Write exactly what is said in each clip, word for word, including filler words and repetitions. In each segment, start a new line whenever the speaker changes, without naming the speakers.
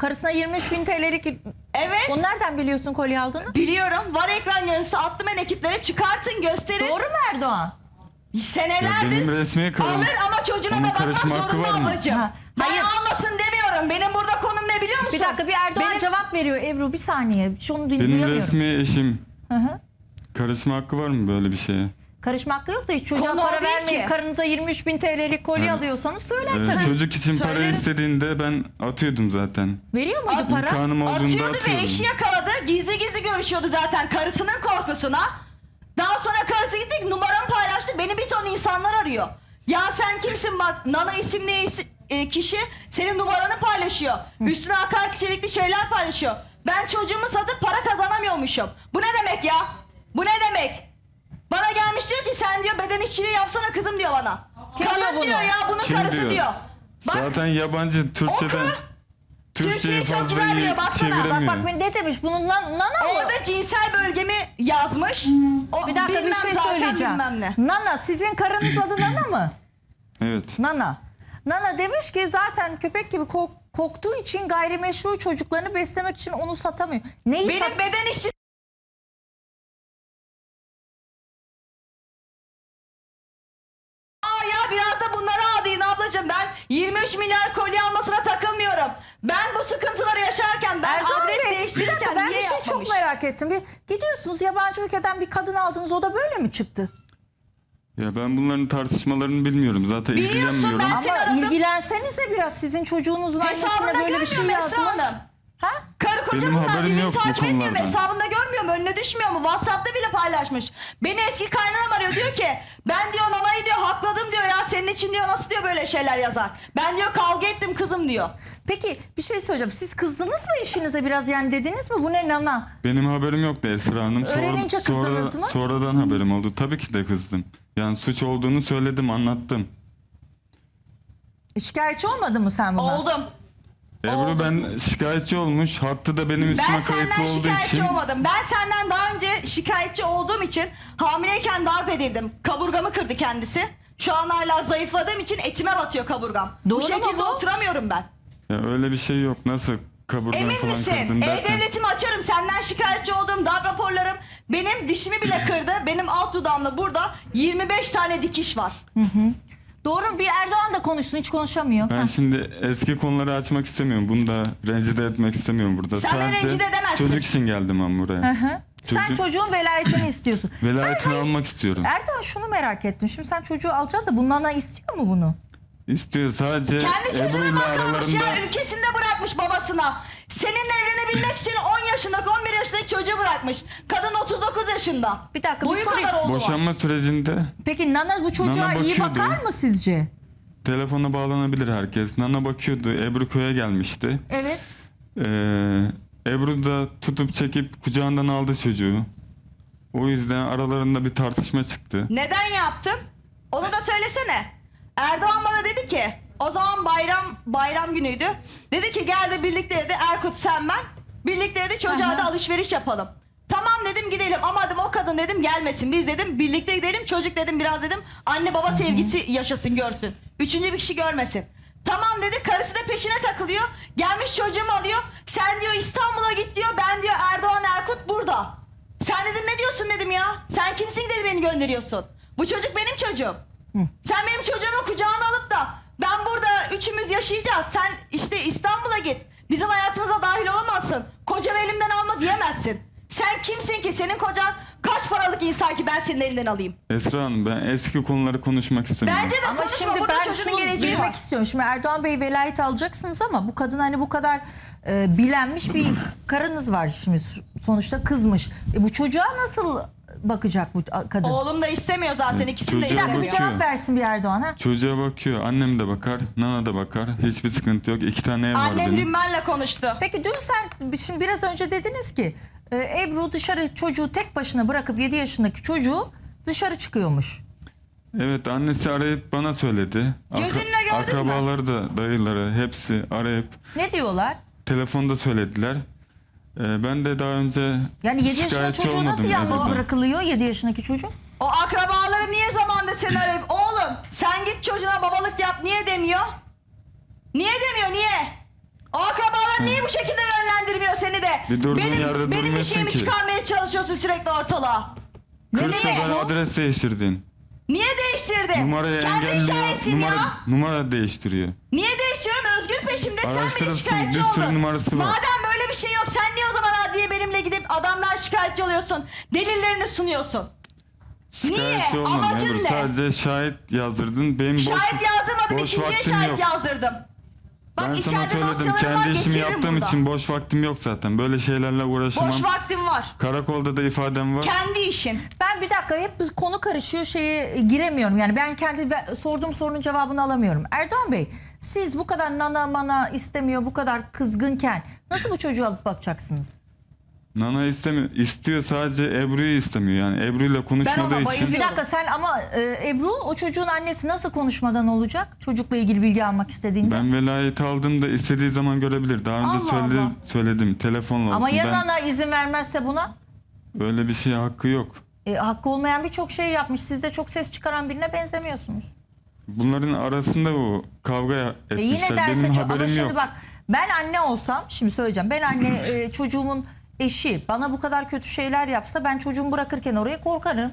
Karısına yirmi üç bin T L'lik...
Evet.
Onu nereden biliyorsun kolye aldığını?
Biliyorum. Var ekran görüntüsü attım ben ekiplere. Çıkartın gösterin.
Doğru mu Erdoğan?
Senelerdir
benim resmi karım.
alır ama çocuğuna
Onun
da bakmak
karışma hakkı
zorunda
var mı?
ablacığım.
Ha,
Ben
hayır.
almasın demiyorum. Benim burada konum ne biliyor musun?
Bir dakika bir Erdoğan
Benim-
cevap veriyor Ebru bir saniye. Şunu
Benim
duyamıyorum.
resmi eşim.
Hı hı.
Karışma hakkı var mı böyle bir şeye?
Karışma hakkı yok da hiç çocuğa
Konu o
para
değil
vermeyin.
ki.
Karınıza yirmi üç bin T L'lik kolye
Evet.
alıyorsanız söyler
Ee,
tabii.
çocuk için para
Söylerim.
istediğinde ben atıyordum zaten.
Veriyor muydu
At-
para?
İmkanım olduğunda
Atıyordu ve
atıyordum.
eşi yakaladı. Gizli gizli görüşüyordu zaten karısının korkusuna. Daha sonra karısı gitti numaramı paylaştı. Beni bir ton insanlar arıyor. Ya sen kimsin bak Nana isimli isi- e, kişi senin numaranı paylaşıyor. Üstüne hakaret içerikli şeyler paylaşıyor. Ben çocuğumu satıp para kazanamıyormuşum. Bu ne demek ya? Bu ne demek? Bana gelmiş diyor ki sen diyor beden işçiliği yapsana kızım diyor bana.
Kim
Kadın
diyor bunu?
diyor ya bunun
Kim
karısı
diyor?
diyor. Bak
Zaten yabancı Türkçeden
Oku.
Türkçeyi
Türkçeyi çok
fazla
güzel
iyi
biliyor, baksana. Bak, bak,
çeviremiyor.
Bak ne demiş? Bunun nan, nana mı?
orada cinsel bölgemi yazmış. O,
Bir dakika bir
bilmem
şey
zaten
söyleyeceğim.
bilmem ne.
Nana sizin karınız adı Nana mı?
Evet.
Nana. Nana demiş ki zaten köpek gibi kok- koktuğu için gayrimeşru çocuklarını beslemek için onu satamıyor. Neyi
Benim
sat-
beden işçi Aa ya biraz da bunlara adayın ablacığım. Ben yirmi üç milyar kolye almasına takılmıyorum. Ben bu sıkıntıları yaşarken ben
Erdoğan
adres
Bey, bir
değiştirirken
dakika ben
niye
bir şey
yapmamış?
çok merak ettim. Bir, gidiyorsunuz yabancı ülkeden bir kadın aldınız o da böyle mi çıktı?
Ya ben bunların tartışmalarını bilmiyorum. Zaten
Biliyorsun,
ilgilenmiyorum.
ben- Seni
Ama
aradım.
ilgilensenize biraz sizin çocuğunuzun
Hesabında
annesine böyle bir şey
görmüyorum Esra
yazmış.
Hanım.
Ha?
Karı koca
Benim
bunlar
haberim
birbirini
yok bu
takip etmiyor mu?
konulardan.
Hesabında görmüyor mu? Önüne düşmüyor mu? WhatsApp'ta bile paylaşmış. Beni eski kaynanam arıyor diyor ki ben diyor Nana'yı diyor hakladım diyor ya senin için diyor nasıl diyor böyle şeyler yazar. Ben diyor kavga ettim kızım diyor.
Peki bir şey söyleyeceğim. Siz kızdınız mı eşinize biraz yani dediniz mi bu ne Nana?
Benim haberim yoktu Esra Hanım. Sonra,
Öğrenince kızdınız
sonra-
mı?
Sonradan haberim oldu. Tabii ki de kızdım. Yani suç olduğunu söyledim, anlattım.
Şikayetçi olmadın mı sen buna?
Oldum.
Ebru
Oldu.
ben şikayetçi olmuş. Hattı da benim üstüme
Ben senden
kayıtlı olduğu
şikayetçi
için.
olmadım. Ben senden daha önce şikayetçi olduğum için hamileyken darp edildim. Kaburgamı kırdı kendisi. Şu an hala zayıfladığım için etime batıyor kaburgam.
Doğru
bu
mu
şekilde
bu?
oturamıyorum ben.
Ya öyle bir şey yok. Nasıl kaburgan
Emin
falan
misin?
kırdın derken.
E-Devlet'imi açarım. Senden şikayetçi olduğum darp raporlarım benim dişimi bile kırdı. Benim alt dudağımda burada yirmi beş tane dikiş var.
Doğru bir Erdoğan da konuşsun hiç konuşamıyor.
Ben
Ha.
şimdi eski konuları açmak istemiyorum. Bunu da rencide etmek istemiyorum burada.
Sen beni rencide edemezsin.
çocuk için geldim ben buraya.
Hı hı. Sen
Çocuk-
çocuğun velayetini istiyorsun.
Velayetini almak istiyorum.
Erdoğan şunu merak ettim. Şimdi sen çocuğu alacaksın da bundan da istiyor mu bunu?
İstiyor sadece
Kendi
Ebru
çocuğuna
ile
bakılmış
aralarında
ya ülkesinde bırakmış babasına. Seninle evlenebilmek için on yaşındaki on bir yaşındaki çocuğu bırakmış. Kadın otuz dokuz yaşında.
Bir dakika, bir
Boyu
sorayım.
kadar oğlu var.
boşanma sürecinde
Peki Nana bu çocuğa
Nana
iyi
bakıyordu.
bakar mı sizce?
telefona bağlanabilir herkes. Nana bakıyordu. Ebru köye gelmişti.
Evet.
Ee, Ebru da tutup çekip kucağından aldı çocuğu. O yüzden aralarında bir tartışma çıktı.
Neden yaptım? Onu da söylesene. Erdoğan bana dedi ki o zaman bayram bayram günüydü. Dedi ki gel de birlikte dedi Erkut sen ben. Birlikte dedi çocuğa
Aha.
da alışveriş yapalım. Tamam dedim gidelim ama dedim o kadın dedim gelmesin. Biz dedim birlikte gidelim çocuk dedim biraz dedim anne baba sevgisi yaşasın görsün. Üçüncü bir kişi görmesin. Tamam dedi karısı da peşine takılıyor. Gelmiş çocuğumu alıyor. Sen diyor İstanbul'a git diyor ben diyor Erdoğan Erkut burada. Sen dedim ne diyorsun dedim ya. Sen kimsin dedi beni gönderiyorsun. Bu çocuk benim çocuğum. Sen benim çocuğumu kucağına alıp da ben burada üçümüz yaşayacağız. Sen işte İstanbul'a git. Bizim hayatımıza dahil olamazsın. Kocamı elimden alma diyemezsin. Sen kimsin ki? Senin kocan kaç paralık insan ki ben senin elinden alayım?
Esra Hanım ben eski konuları konuşmak istemiyorum.
Bence de
Ama
konuşma.
şimdi
Burada
ben
çocuğun
şunu
geleceği
bilmek
var.
istiyorum. Şimdi Erdoğan Bey velayet alacaksınız ama bu kadın hani bu kadar e, bilenmiş bir karınız var şimdi sonuçta kızmış. E, bu çocuğa nasıl bakacak bu kadın?
Oğlum da istemiyor zaten. İkisini de
çocuğa
Bir dakika bir
istemiyor.
bakıyor.
cevap versin bir Erdoğan ha.
Çocuğa bakıyor. Annem de bakar. Nana da bakar. Hiçbir sıkıntı yok. İki tane ev var
Annem
benim.
dün benimle konuştu.
Peki dün sen şimdi biraz önce dediniz ki e, Ebru dışarı çocuğu tek başına bırakıp yedi yaşındaki çocuğu dışarı çıkıyormuş.
Evet annesi arayıp bana söyledi.
Gözünle gördün mü?
Akrabaları da dayıları hepsi arayıp
Ne diyorlar?
telefonda söylediler. Ee, ben de daha önce
Yani yedi yaşındaki
şikayetçi
çocuğu nasıl
olmadım
yalnız
Ebru'dan.
bırakılıyor yedi yaşındaki çocuk?
O akrabaları niye zamanda seni arayıp oğlum sen git çocuğuna babalık yap niye demiyor? Niye demiyor niye? O akrabalar niye bu şekilde yönlendirmiyor seni de?
Bir durduğun
benim,
yerde
benim bir
durmuyorsun
şeyimi
ki.
çıkarmaya çalışıyorsun sürekli ortalığa.
kırk
Niye?
sefer adres değiştirdin.
Niye değiştirdin?
Numarayı
Kendi
engelliyor.
şahitsin
Numara,
ya.
numara değiştiriyor.
Niye değiştiriyorum? Özgür peşimde, sen beni
Araştırırsın,
şikayetçi
bir sürü
oldun.
numarası var.
Madem böyle bir şey yok, sen niye o zaman adliye benimle gidip adamdan şikayetçi oluyorsun? Delillerini sunuyorsun.
Şikayetçi
Niye?
olmadım
Amacın
Ebru.
ne?
Sadece şahit yazdırdın. Benim boş,
Şahit yazdırmadım,
boş
ikinciye
vaktim
şahit
yok.
yazdırdım. Bak
Ben sana
içeride
söyledim.
dosyalarım var,
Kendi işimi
getiririm
yaptığım
burada.
için boş vaktim yok zaten. Böyle şeylerle uğraşamam.
Boş vaktim var.
Karakolda da ifadem var.
Kendi işin.
Ben bir dakika hep konu karışıyor şeye giremiyorum. Yani ben kendi ve- sorduğum sorunun cevabını alamıyorum. Erdoğan Bey, siz bu kadar nana mana istemiyor, bu kadar kızgınken nasıl bu çocuğu alıp bakacaksınız?
Nana istemiyor. İstiyor, sadece Ebru'yu istemiyor. Yani Ebru'yla konuşmadığı
ona
için.
bayılıyorum.
Bir dakika sen ama e, Ebru o çocuğun annesi nasıl konuşmadan olacak? Çocukla ilgili bilgi almak istediğinde.
Ben velayet aldığımda istediği zaman görebilir. Daha önce
Allah
söyledim,
Allah.
söyledim telefonla olsun.
Ama ya
Ben
nana izin vermezse buna?
öyle bir şeye hakkı yok.
E, hakkı olmayan birçok şey yapmış. Siz de çok ses çıkaran birine benzemiyorsunuz.
Bunların arasında o kavga
E
etmişler.
yine derse
Benim
çok ama
haberim
şimdi
yok.
bak ben anne olsam şimdi söyleyeceğim ben anne e, çocuğumun eşi bana bu kadar kötü şeyler yapsa ben çocuğumu bırakırken oraya korkarım.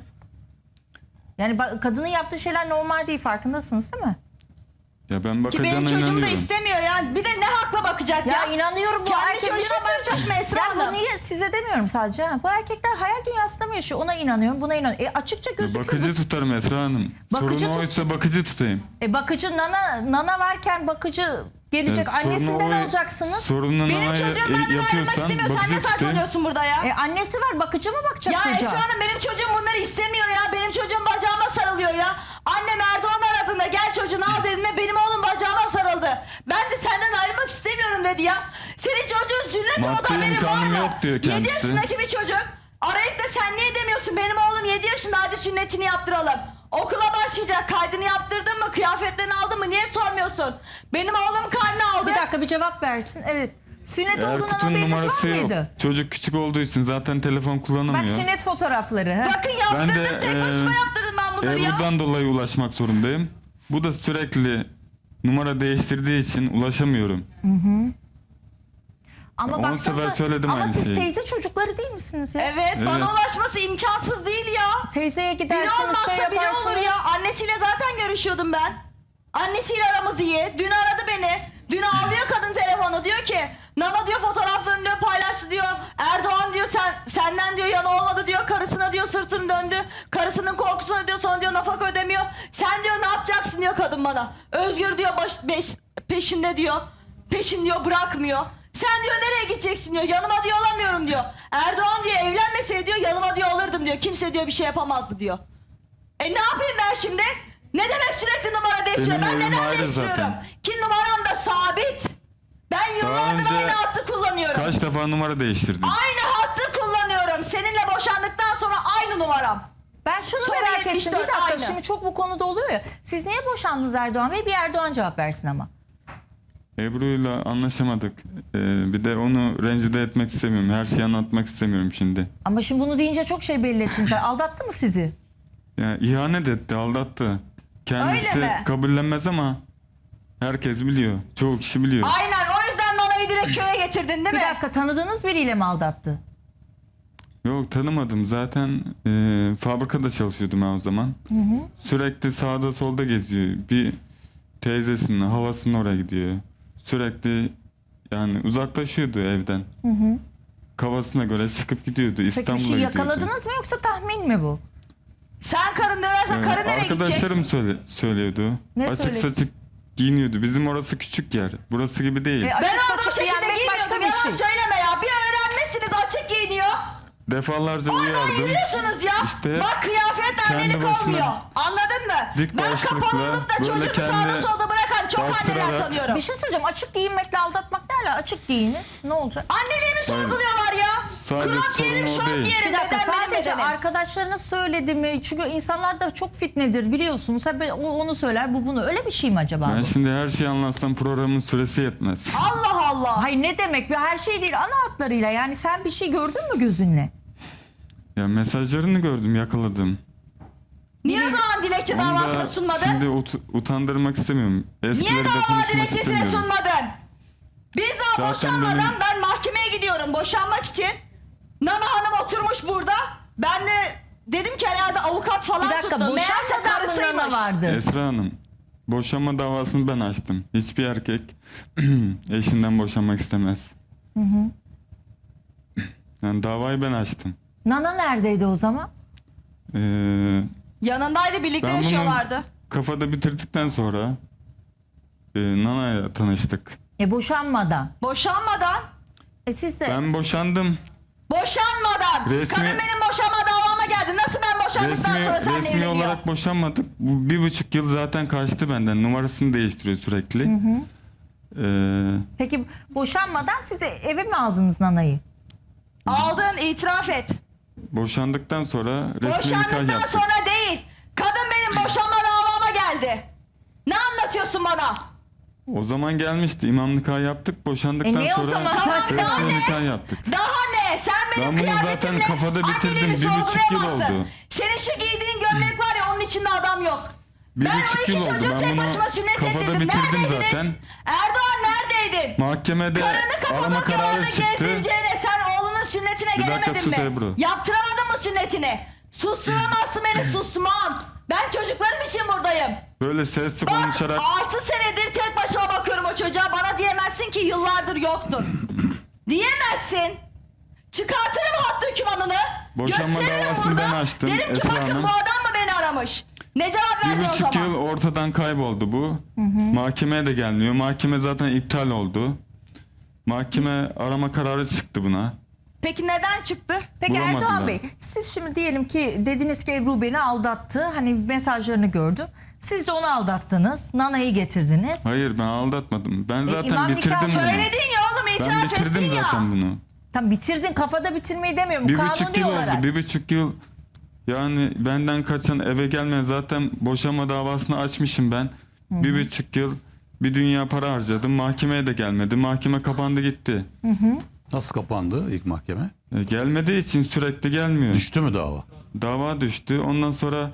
Yani ba- kadının yaptığı şeyler normal değil farkındasınız değil mi?
Ya ben
Ki benim
bakacağına
çocuğum da
inanıyorum.
istemiyor yani. Bir de ne hakla bakacak ya?
Ya, inanıyorum bu
Kendi
erkek bir
çocuğuna
şey söyleyeceğim.
bakacak mı Esra
Ben
Hanım?
bu niye size demiyorum sadece. ha. Bu erkekler hayal dünyasında mı yaşıyor? Ona inanıyorum buna inanıyorum. E, açıkça
Ya
gözüküyor.
bakıcı tutarım Esra Hanım.
Bakıcı
Sorun
tut-
oysa bakıcı tutayım.
E, bakıcı nana nana varken bakıcı gelecek
Ya sorunu
annesinden
o-
alacaksınız.
Sorununu
Benim
nanaya
çocuğum benden ayrılmak
yapıyorsan
istemiyor. Sen ne
bakıcı tutayım.
saçmalıyorsun burada ya?
E, annesi var bakıcı mı bakacak
Ya
çocuğa?
Esra Hanım benim çocuğum bunları istemiyor ya. Benim çocuğum bacağıma sarılıyor ya. Annem Erdoğan aradığında gel çocuğunu al dediğinde benim oğlum bacağıma sarıldı. Ben de senden ayrılmak istemiyorum dedi ya. Senin çocuğun sünnet
Maddi
oldu haberin var
imkanım
mı?
yok diyor
yedi
kendisi.
yaşındaki bir çocuk. Arayıp da sen niye demiyorsun benim oğlum yedi yaşında hadi sünnetini yaptıralım. Okula başlayacak kaydını yaptırdın mı kıyafetlerini aldın mı niye sormuyorsun? Benim oğlum karnı aldı.
Bir dakika bir cevap versin. Evet. Sünnet olduğundan
Erkut'un
haberiniz
numarası
var
yok.
mıydı?
Çocuk küçük olduğu için zaten telefon
Bak
kullanamıyor.
sünnet fotoğrafları. ha.
Bakın yaptırdım
Ben de,
tek başıma
e,
yaptırdım ben bunları ya.
Ebru'dan dolayı ulaşmak zorundayım. Bu da sürekli numara değiştirdiği için ulaşamıyorum.
Ama
on
baksanıza-
sefer söyledim
ama
aynı
siz
şeyi.
teyze çocukları değil misiniz ya?
Evet,
Evet.
bana ulaşması imkansız değil ya.
Teyzeye
Biri
gidersiniz
olmazsa
şey
biri
yaparsınız.
olur ya. Annesiyle zaten görüşüyordum ben. Annesiyle aramız iyi. Dün aradı beni. Dün ağlıyor kadın telefonu. Diyor ki Nana diyor fotoğraflarını diyor paylaştı diyor. Erdoğan diyor sen senden diyor yana olmadı diyor. Karısına diyor sırtını döndü. Karısının korkusuna diyor sonra diyor nafaka ödemiyor. Sen diyor ne yapacaksın diyor kadın bana. Özgür diyor baş, beş, peşinde diyor. Peşin diyor bırakmıyor. Sen diyor nereye gideceksin diyor. Yanıma diyor alamıyorum diyor. Erdoğan diyor evlenmeseydi diyor yanıma diyor alırdım diyor. Kimse diyor bir şey yapamazdı diyor. E ne yapayım ben şimdi? Ne demek sürekli numara değiştiriyorum?
Benim
Ben
evim
neden
ayrı
değiştiriyorum?
zaten.
Ki numaram da sabit. Ben yıllardır
önce
aynı hattı kullanıyorum.
Kaç defa numara değiştirdin?
Aynı hattı kullanıyorum. Seninle boşandıktan sonra aynı numaram.
Ben şunu
Sonra
merak ettim. Bir
yetmiş dört
dakika
aynı.
şimdi çok bu konuda oluyor ya. Siz niye boşandınız Erdoğan Bey? Bir Erdoğan cevap versin ama.
Ebru'yla anlaşamadık. Ee, bir de onu rencide etmek istemiyorum. Her şeyi anlatmak istemiyorum şimdi.
Ama şimdi bunu deyince çok şey belli ettin sen. Aldattı mı sizi?
Yani ihanet etti, aldattı. Kendisi
Öyle mi?
kabullenmez ama herkes biliyor. Çoğu kişi biliyor.
Aynen o yüzden Nana'yı direkt köye getirdin değil
Bir
mi?
dakika tanıdığınız biriyle mi aldattı?
Yok tanımadım. Zaten e, fabrikada çalışıyordum ben o zaman. Sürekli sağda solda geziyor. Bir teyzesinin havasının oraya gidiyor. Sürekli yani uzaklaşıyordu evden. Kafasına göre çıkıp gidiyordu.
Peki
İstanbul'a
bir şey
gidiyordu.
yakaladınız mı yoksa tahmin mi bu?
Sen karın döversen
Ee,
karın nereye gidecek?
arkadaşlarım söyle, söylüyordu.
Ne
açık
söyledi?
saçık giyiniyordu. Bizim orası küçük yer. Burası gibi değil.
E,
Ben
Açık
olduğum
saçık
şekilde
giyinmek başka
giyiniyordum.
bir
Yalan
şey.
söyleme ya. Bir öğrenmişsiniz açık giyiniyor.
Defalarca
Oradan
uyardım.
yürüyorsunuz ya.
İşte
Bak kıyafet
kendi
annelik
başına
olmuyor. Anladın mı?
dik
Ben
başlıkla,
kapalı olup da
böyle
çocuğu
kendi
sağda solda bırakan çok anneler
bastırarak-
tanıyorum.
Bir şey söyleyeceğim. Açık giyinmekle aldatmak ne ala? Açık giyinin. Ne olacak?
Anneliğimi sorguluyorlar ya.
Sadece
Crop giyerim,
sorun o
şort
değil.
giyerim.
Bir dakika
beden benim
sadece
bedenim.
arkadaşlarınız söyledi mi? Çünkü insanlar da çok fitnedir biliyorsunuz. Hep o onu söyler bu bunu. Öyle bir şey mi acaba
Ben
bu?
şimdi her şeyi anlatsam programın süresi yetmez.
Allah Allah.
Hayır ne demek? Bir her şey değil ana hatlarıyla. Yani sen bir şey gördün mü gözünle?
Ya mesajlarını gördüm, yakaladım.
Niye o zaman dilekçe
Onu
davasını
da
sunmadın?
şimdi ut- utandırmak istemiyorum.
Niye
Eskileri de
dava
konuşmak
dilekçesini
istemiyorum.
sunmadın? Biz daha
Zaten
boşanmadan
benim-
ben mahkemeye gidiyorum boşanmak için. Nana Hanım oturmuş burada. Ben de dedim ki herhalde avukat falan
Bir dakika,
tuttu. Meğerse
boşanmadan mı
karısıymış.
Nana vardı?
Esra Hanım, boşanma davasını ben açtım. Hiçbir erkek eşinden boşanmak istemez. Yani davayı ben açtım.
Nana neredeydi o zaman?
Ee,
Yanındaydı, birlikte
ben bunu
yaşıyorlardı.
kafada bitirdikten sonra e, Nana'yla tanıştık.
E boşanmadan.
Boşanmadan,
E siz de
Ben boşandım.
boşanmadan.
Resmi-
Kadın benim boşanma davama geldi. Nasıl ben boşandıktan
Resmi,
sonra seninle
resmi
evleniyor?
olarak boşanmadık. Bu bir buçuk yıl zaten kaçtı benden. Numarasını değiştiriyor sürekli. Ee,
peki boşanmadan siz eve mi aldınız Nana'yı?
Aldın, itiraf et.
boşandıktan sonra resmi nikah
Boşandıktan
yaptık.
sonra değil. Kadın benim boşanma davama geldi. Ne anlatıyorsun bana?
O zaman gelmişti. İmam nikah yaptık. Boşandıktan
E ne o
sonra
zaman?
Tamam,
resmi
daha ne?
nikah yaptık.
Daha ne? Sen benim
Ben bunu
kıyafetimle
zaten kafada bitirdim.
anneliğimi
Bir buçuk yıl
sorgulayamazsın.
oldu.
Senin şu giydiğin gömlek var ya, onun içinde adam yok.
Bir
ben
buçuk
o iki
yıl oldu.
çocuğu
Ben
tek
bunu
başıma sünnet
kafada
ettirdim.
bitirdim
Neredeydiniz?
zaten.
Erdoğan neredeydin?
Mahkemede
Karını
arama kararı
Kapadokya'larda
çıktı.
gezdireceğine sen oğlunun sünnetine
Bir dakika
gelemedin
sus
mi?
Ebru.
Yaptıramadın mı sünnetini? Susturamazsın beni, susmam. Ben çocuklarım için buradayım.
Böyle sesli
Bak
konuşarak
altı senedir tek başıma bakıyorum o çocuğa. Bana diyemezsin ki yıllardır yoktun. Diyemezsin. Çıkartırım hattı hükümanını.
Boşanma
gösteririm
davasını
burada.
ben açtım,
Derim ki
Esra
bakın
Hanım.
bu adam mı beni aramış? Ne cevap
bir
verdin o
buçuk
zaman?
yıl ortadan kayboldu bu. Mahkemeye de gelmiyor. Mahkeme zaten iptal oldu. Mahkeme arama kararı çıktı buna.
Peki neden çıktı?
Peki
Bulamadılar.
Erdoğan Bey, siz şimdi diyelim ki dediniz ki Ebru beni aldattı. Hani mesajlarını gördüm. Siz de onu aldattınız. Nana'yı getirdiniz.
Hayır, ben aldatmadım. Ben zaten
imam nikah
bitirdim bunu.
Söyledin ya oğlum,
Ben
itiraf
bitirdim
ettin ya.
zaten bunu.
Tam bitirdin, kafada bitirmeyi demiyorum.
Bir
Kanuni
buçuk yıl
olarak.
oldu. Bir buçuk yıl. Yani benden kaçan, eve gelmeyen, zaten boşanma davasını açmışım ben. Bir buçuk yıl bir dünya para harcadım. Mahkemeye de gelmedi. Mahkeme kapandı gitti.
Nasıl kapandı ilk mahkeme?
E, gelmediği için sürekli gelmiyor.
Düştü mü dava?
Dava düştü. Ondan sonra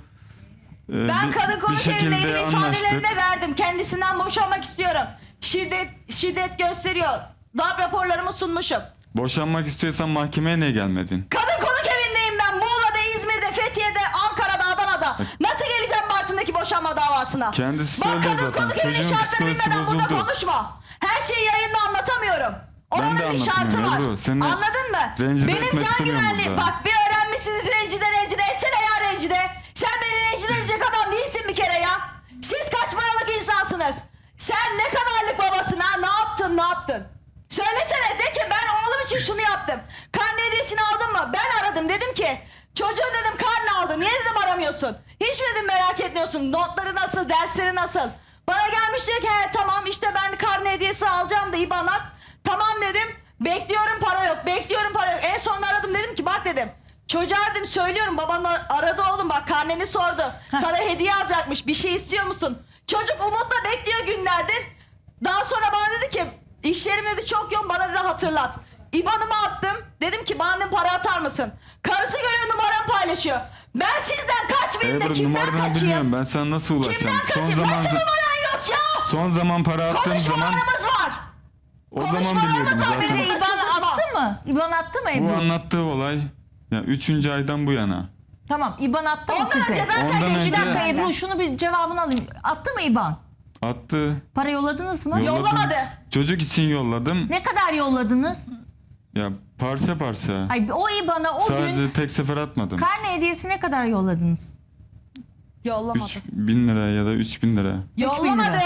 e,
Ben
bir-
kadın
bir
konuk
şekilde
evindeydim,
anlaştık.
ifadelerini de verdim. Kendisinden boşanmak istiyorum. Şiddet şiddet gösteriyor. Darp raporlarımı sunmuşum.
Boşanmak istiyorsan mahkemeye niye gelmedin?
Kadın konuk evindeyim ben. Muğla'da, İzmir'de, Fethiye'de, Ankara'da, Adana'da. Nasıl geleceğim Bartın'daki boşanma davasına?
Kendisi
Bak
söylüyor
kadın
zaten.
konuk evinin
Çocuğun
şartlarını
psikolojisi
bilmeden burada
bozuldu.
konuşma. Her şeyi yayında anlatamıyorum.
Ben
Oranın
de
bir şartı
anlatamıyorum
var.
Ebru. Seni
Anladın mı?
rencide
Benim
etmek
can
istemiyorum
güvenliğim.
burada.
Bak bir öğrenmişsiniz rencide rencide etsene ya rencide. Sen beni rencide edecek adam değilsin bir kere ya. Siz kaç paralık insansınız? Sen ne kadarlık babasın ha? Ne yaptın ne yaptın? Söylesene, de ki ben oğlum için şunu yaptım. Karne hediyesini aldın mı? Ben aradım, dedim ki çocuğun dedim karne aldı. Niye dedim aramıyorsun? Hiç mi dedim merak etmiyorsun? Notları nasıl? Dersleri nasıl? Bana gelmiş diyor ki he tamam işte ben karne hediyesi alacağım da İ B A N at. Tamam dedim. Bekliyorum, para yok. Bekliyorum, para yok. En son aradım, dedim ki bak dedim. Çocuğa dedim söylüyorum, baban aradı oğlum bak karneni sordu. Sana hediye alacakmış, bir şey istiyor musun? Çocuk umutla bekliyor günlerdir. Daha sonra bana dedi ki işlerim dedi çok yoğun, bana dedi hatırlat. İ B A N'ımı attım. Dedim ki bana dedim, para atar mısın? Karısı görüyor, numaramı paylaşıyor. Ben sizden kaçmayayım da
Ebru,
kimden
numaranı
kaçayım?
bilmiyorum. Ben sana nasıl ulaşacağım?
Kimden
Son
kaçayım?
zaman
Nasıl numaran yok ya?
son zaman para attığım zaman
Konuşmalarımız var.
o zaman
konuşmalarımız
biliyordum
var.
zaten.
Size
Zaten-
İ B A N attı mı? İ B A N attı mı
Bu
Ebru?
anlattığı olay ya üçüncü aydan bu yana.
Tamam, İ B A N attı mı
Ondan önce
size?
zaten
Ondan
rencide
önce-
Bir dakika
benden.
Ebru, şunu bir cevabını alayım. Attı mı İ B A N?
Attı.
Para yolladınız mı?
Yolladım.
Yollamadı.
Çocuk için yolladım.
Ne kadar yolladınız?
Ya parça parça.
Ay, o İ B A N''a o
Sadece
gün
tek sefer atmadım.
karne hediyesi ne kadar yolladınız?
Yollamadı.
üç bin lira ya da üç bin lira.
üç bin lira.
Yollamadım.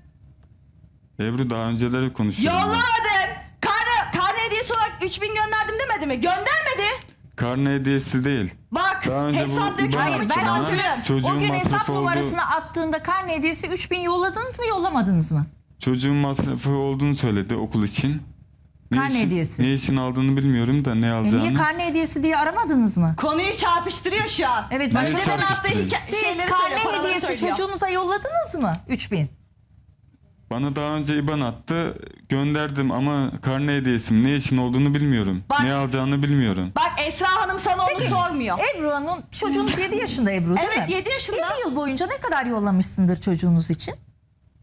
Ebru daha önceleri konuşuyorum. ben.
Yollamadım. Karne, karne hediyesi olarak üç bin gönderdim demedi mi? Göndermedi.
Karne hediyesi değil.
Bak
Daha önce bu
hesap
İ B A N
dökümümü
Hayır, ben
Bana
hatırlıyorum.
çocuğun
O gün hesap
masrafı
numarasını attığında karne hediyesi üç bin yolladınız mı, yollamadınız mı?
Çocuğun masrafı olduğunu söyledi okul için. Ne
Karne
için-
hediyesi.
Ne için aldığını bilmiyorum da ne
E
alacağını.
niye karne hediyesi diye aramadınız mı?
Konuyu çarpıştırıyor şu an.
Evet,
Neyi
başka
Başkalarının attığı
çarpıştırıyor?
hikaye,
Siz
şeyleri
karne
söylüyor, paraları
hediyesi
söylüyor.
çocuğunuza yolladınız mı? üç bin.
Bana daha önce İ B A N attı. Gönderdim ama karne hediyesi ne için olduğunu bilmiyorum.
Bak-
Ne alacağını bilmiyorum.
Bak Esra Hanım sana onu sormuyor.
Ebru Hanım, çocuğunuz yedi yaşında Ebru değil mi?
Evet, yedi yaşında.
yedi yıl boyunca ne kadar yollamışsındır çocuğunuz için?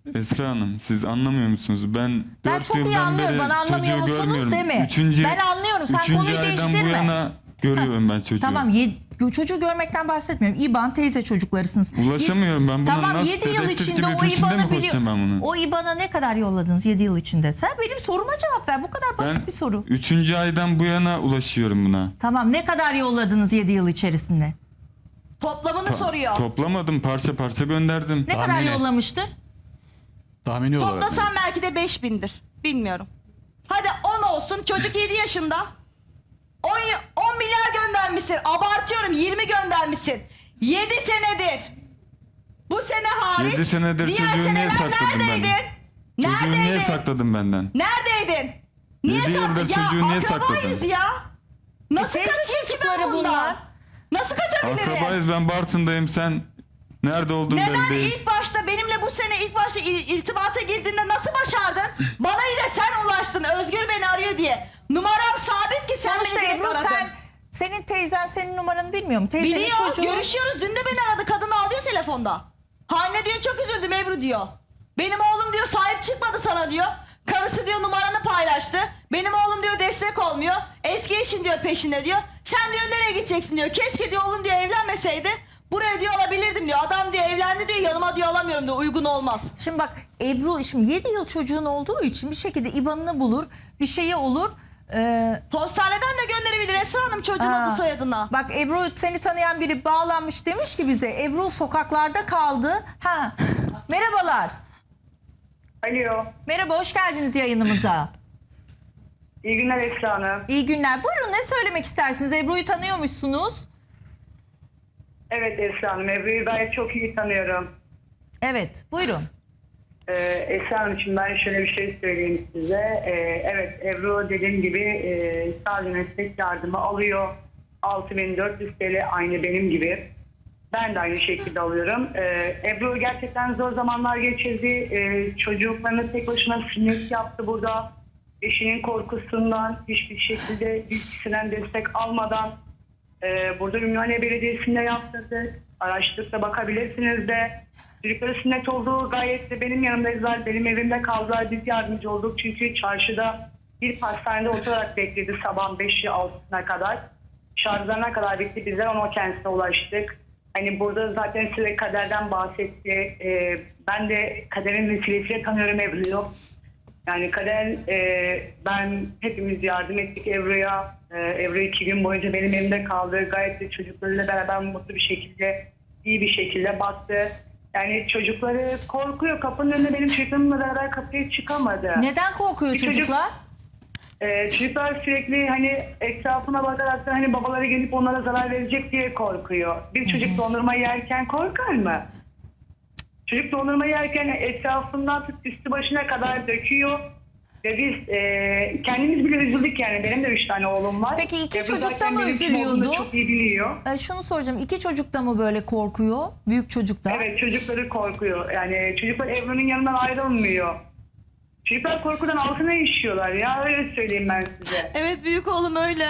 Esra Hanım siz anlamıyor musunuz? Ben,
Ben
dört
çok iyi
yıldan
anlıyorum.
beri
Bana anlamıyor
çocuğu
musunuz
görmüyorum.
deme.
Üçüncü,
Ben anlıyorum. Sen
üçüncü
konuyu
aydan
değiştirme.
bu yana görüyorum ben çocuğu.
Tamam yedi, çocuğu görmekten bahsetmiyorum. İban teyze çocuklarısınız.
Ulaşamıyorum ben buna.
Tamam
nasıl
yedi yıl
dedektif
içinde
gibi
o
peşinde mi
İban'ı
koşacağım ben
biliyor.
bunun?
O İban'a ne kadar yolladınız yedi yıl içinde? Sen benim soruma cevap ver. Bu kadar basit
Ben
bir soru.
üçüncü aydan bu yana ulaşıyorum buna.
Tamam ne kadar yolladınız yedi yıl içerisinde?
Toplamını soruyor.
Toplamadım, parça parça gönderdim.
Ne kadar
Tahmini.
yollamıştır?
Tahmini olarak.
Toplasan belki de beş bindir. Bilmiyorum. Hadi on olsun. Çocuk yedi yaşında. on, on milyar göndermişsin. Abartıyorum, yirmi göndermişsin. yedi senedir. Bu sene hariç.
Yedi senedir
diğer
çocuğu niye
seneler
sakladın
neredeydin?
benden? Çocuğu niye
Neredeydin?
sakladın benden?
Neredeydin? Niye
Yedi
sakladın?
yıldır
Ya
çocuğu niye
akrabayız
sakladın?
ya. Nasıl
teyze
kaçayım ki
çocukları
ben bundan?
bunlar.
Nasıl kaçabilirim?
Akrabayız, ben Bartın'dayım, sen nerede olduğun
Neden
belli değil.
ilk başta benimle bu sene ilk başta ir- irtibata girdiğinde nasıl başardın? Bana yine sen ulaştın. Özgür beni arıyor diye. Numaram sabit ki sen
Sonuçta
beni direkt
Ebru
aradın.
sen senin teyzen senin numaranı bilmiyor mu? Teyzenin
Biliyor,
çocuğu.
görüşüyoruz. Dün de beni aradı. Kadın ağlıyor telefonda. Haline diyor çok üzüldüm Ebru diyor. Benim oğlum diyor sahip çıkmadı sana diyor. Karısı diyor numaranı paylaştı. Benim oğlum diyor destek olmuyor. Eski eşin diyor peşinde diyor. Sen diyor nereye gideceksin diyor. Keşke diyor oğlum diyor evlenmeseydi. Buraya diyor alabilirdim diyor. Adam diyor evlendi diyor yanıma diyor alamıyorum diyor. Uygun olmaz.
Şimdi bak Ebru şimdi yedi yıl çocuğun olduğu için bir şekilde İban'ını bulur. Bir şeyi olur. Ee,
Postaneden de gönderebilir Esra Hanım çocuğun
Aa,
adı soyadına.
Bak Ebru seni tanıyan biri bağlanmış demiş ki bize Ebru sokaklarda kaldı. Ha. Merhabalar.
Alo.
Merhaba hoş geldiniz yayınımıza.
İyi günler Esra Hanım.
İyi günler. Buyurun ne söylemek istersiniz? Ebru'yu tanıyormuşsunuz.
Evet Esra Hanım. Ebru'yu gayet çok iyi tanıyorum.
Evet buyurun.
Ee, Esra Hanım için ben şöyle bir şey söyleyeyim size. Ee, evet Ebru dediğim gibi e, sadece meslek yardımı alıyor. altı bin dört yüz T L aynı benim gibi. Ben de aynı şekilde alıyorum. Ee, Ebru gerçekten zor zamanlar geçirdi. Ee, çocuklarını tek başına sünnet yaptı burada. Eşinin korkusundan hiçbir şekilde bir kişiden destek almadan e, burada Ümraniye Belediyesi'nde yaptırdık. Araştırıp da bakabilirsiniz de. Çocukları sünnet olduğu gayet de benim yanımdaydılar. Benim evimde kaldılar. Biz yardımcı olduk. Çünkü çarşıda bir pastanede oturarak bekledi sabah beşi altısına kadar. Şarjlarına kadar bitti. Bizler ama kendisine ulaştık. Hani burada zaten size kaderden bahsetti. Ee, ben de kaderin vesilesiyle tanıyorum Ebru'yu. Yani kader e, ben hepimiz yardım ettik Ebru'ya. Ee, Ebru iki gün boyunca benim evimde kaldı. Gayet de çocuklarıyla beraber mutlu bir şekilde, iyi bir şekilde baktı. Yani çocukları korkuyor. Kapının önünde benim çocuklarımla beraber kapıya çıkamadı.
Neden korkuyor
Bir çocuk-
çocuklar?
Ee, çocuklar sürekli hani etrafına bakarak da hani babaları gelip onlara zarar verecek diye korkuyor. Bir çocuk dondurma yerken korkar mı? Çocuk dondurma yerken etrafından tut üstü başına kadar döküyor. Ve biz e, kendimiz bile üzüldük yani. Benim de üç tane oğlum var.
Peki iki
Ve bu
çocuk da
zaten
mı
benim kim olduğumu
üzülüyordu?
Çok iyi biliyor.
Ee, şunu soracağım. İki çocuk da mı böyle korkuyor? Büyük çocuk da.
Evet çocukları korkuyor. Yani çocuklar Ebru'nun yanından ayrılmıyor. Çocuklar korkudan altına işiyorlar ya öyle söyleyeyim ben size.
Evet büyük oğlum öyle.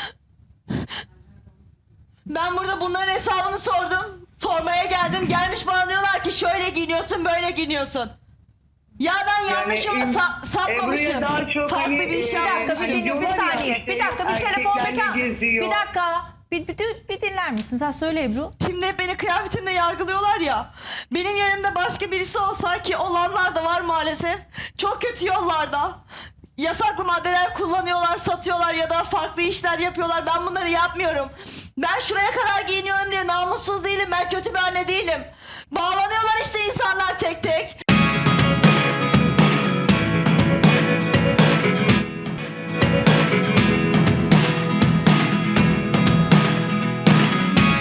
Ben burada bunların hesabını sordum. Sormaya geldim. Gelmiş bana diyorlar ki şöyle giyiniyorsun böyle giyiniyorsun. Ya ben yanlışımı
em-
sa- sapmamışım.
Ebru'ya daha çok
Farklı
hani,
bir
e,
şey
Bir dakika bir
Hani
dinliyorum bir
diyorlar ya
saniye.
işte
Bir dakika bir
erkeklerle
telefondaki
geziyor.
bir dakika. Bir, bir, bir dinler misin? Sen söyle Ebru.
Şimdi hep beni kıyafetimle yargılıyorlar ya. Benim yerimde başka birisi olsa ki olanlar da var maalesef. Çok kötü yollarda. Yasaklı maddeler kullanıyorlar, satıyorlar ya da farklı işler yapıyorlar. Ben bunları yapmıyorum. Ben şuraya kadar giyiniyorum diye namussuz değilim. Ben kötü bir anne değilim. Bağlanıyorlar işte insanlar tek tek.